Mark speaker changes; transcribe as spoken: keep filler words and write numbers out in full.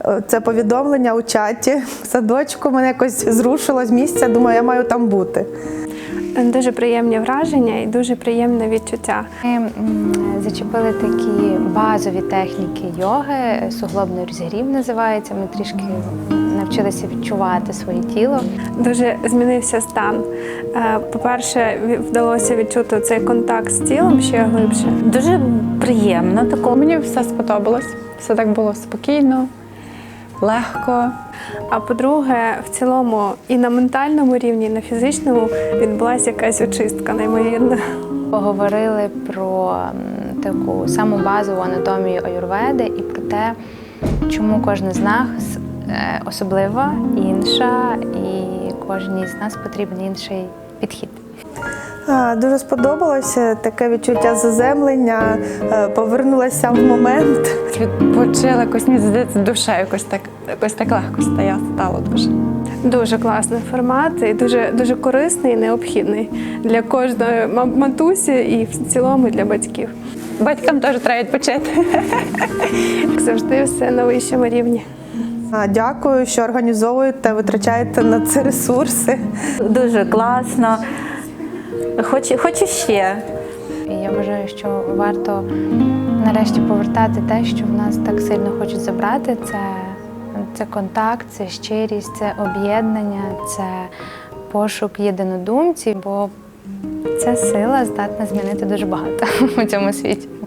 Speaker 1: Це повідомлення у чаті в садочку мене якось зрушило з місця, думаю, я маю там бути.
Speaker 2: Дуже приємні враження і дуже приємне відчуття.
Speaker 3: Ми зачепили такі базові техніки йоги, суглобний розігрів називається. Ми трішки навчилися відчувати своє тіло.
Speaker 2: Дуже змінився стан. По-перше, вдалося відчути цей контакт з тілом ще глибше.
Speaker 4: Дуже приємно такого.
Speaker 5: Мені все сподобалось, все так було спокійно, легко.
Speaker 2: А по-друге, в цілому і на ментальному рівні, і на фізичному відбулася якась очистка неймовірна.
Speaker 3: Поговорили про таку саму базову анатомію аюрведи і про те, чому кожна з нас особлива, інша, і кожній з нас потрібен інший підхід.
Speaker 1: Дуже сподобалося таке відчуття заземлення, повернулася в момент.
Speaker 5: Відпочила, якось, мені здається, душа якось так, якось так легко стає, стало дуже.
Speaker 2: Дуже класний формат і дуже, дуже корисний і необхідний для кожної матусі і в цілому для батьків.
Speaker 5: Батькам теж треба відпочити.
Speaker 2: Як завжди, все на вищому рівні.
Speaker 1: Дякую, що організовуєте, витрачаєте на це ресурси.
Speaker 4: Дуже класно. Хочу, хочу ще.
Speaker 3: І я вважаю, що варто нарешті повертати те, що в нас так сильно хочуть забрати. Це, це контакт, це щирість, це об'єднання, це пошук єдинодумців, бо ця сила здатна змінити дуже багато у цьому світі.